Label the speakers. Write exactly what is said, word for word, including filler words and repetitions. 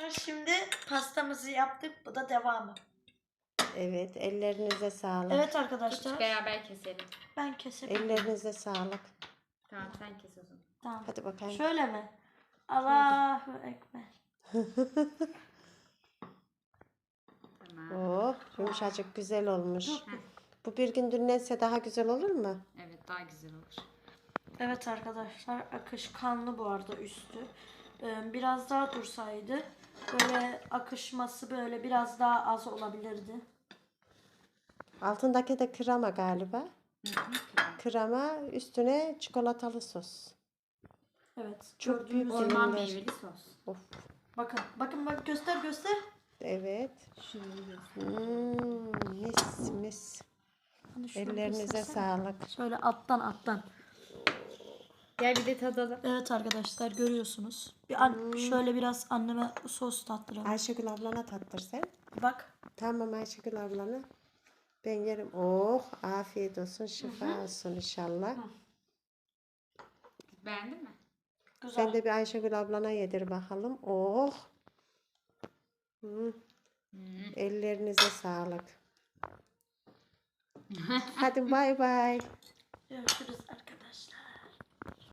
Speaker 1: Şimdi pastamızı yaptık. Bu da devamı.
Speaker 2: Evet, ellerinize sağlık.
Speaker 1: Evet arkadaşlar.
Speaker 3: Beraber keselim.
Speaker 1: Ben kesebilirim.
Speaker 2: Ellerinize sağlık.
Speaker 3: Tamam sen kes o zaman.
Speaker 1: Tamam.
Speaker 2: Hadi bakayım.
Speaker 1: Şöyle mi? Allahu Ekber.
Speaker 3: Tamam.
Speaker 2: Oh, yumuşacık güzel olmuş.
Speaker 1: Dur.
Speaker 2: Bu bir gün dinlense daha güzel olur mu?
Speaker 3: Evet daha güzel olur.
Speaker 1: Evet arkadaşlar, akışkanlı bu arada üstü. Ee, biraz daha dursaydı böyle akışması böyle biraz daha az olabilirdi.
Speaker 2: Altındaki de krema galiba.
Speaker 3: Hı hı.
Speaker 2: Krema üstüne çikolatalı sos.
Speaker 1: Evet.
Speaker 2: Çok
Speaker 1: gördüğünüz
Speaker 2: büyük
Speaker 1: gibi.
Speaker 3: Orman
Speaker 2: dilimler.
Speaker 3: meyveli sos.
Speaker 2: Of.
Speaker 1: Bakın, bakın bak göster göster.
Speaker 2: Evet.
Speaker 3: Şöyle göster.
Speaker 2: Hmm, mis mis.
Speaker 1: Hani şöyle
Speaker 2: Ellerinize
Speaker 1: göstersene.
Speaker 2: sağlık.
Speaker 1: Şöyle alttan alttan.
Speaker 3: Gel bir de tadalım.
Speaker 1: Evet arkadaşlar görüyorsunuz. Bir an, şöyle biraz anneme sos tattıralım.
Speaker 2: Ayşegül ablana tattır sen.
Speaker 1: Bak.
Speaker 2: Tamam Ayşegül ablana. Ben yerim. Oh, afiyet olsun, şifa olsun inşallah.
Speaker 3: Beğendin mi?
Speaker 1: Güzel.
Speaker 2: Sen de bir Ayşegül ablana yedir bakalım. Oh. Hı.
Speaker 3: Hmm.
Speaker 2: Ellerinize sağlık. Hadi bay bay.
Speaker 1: Görüşürüz arkadaşlar.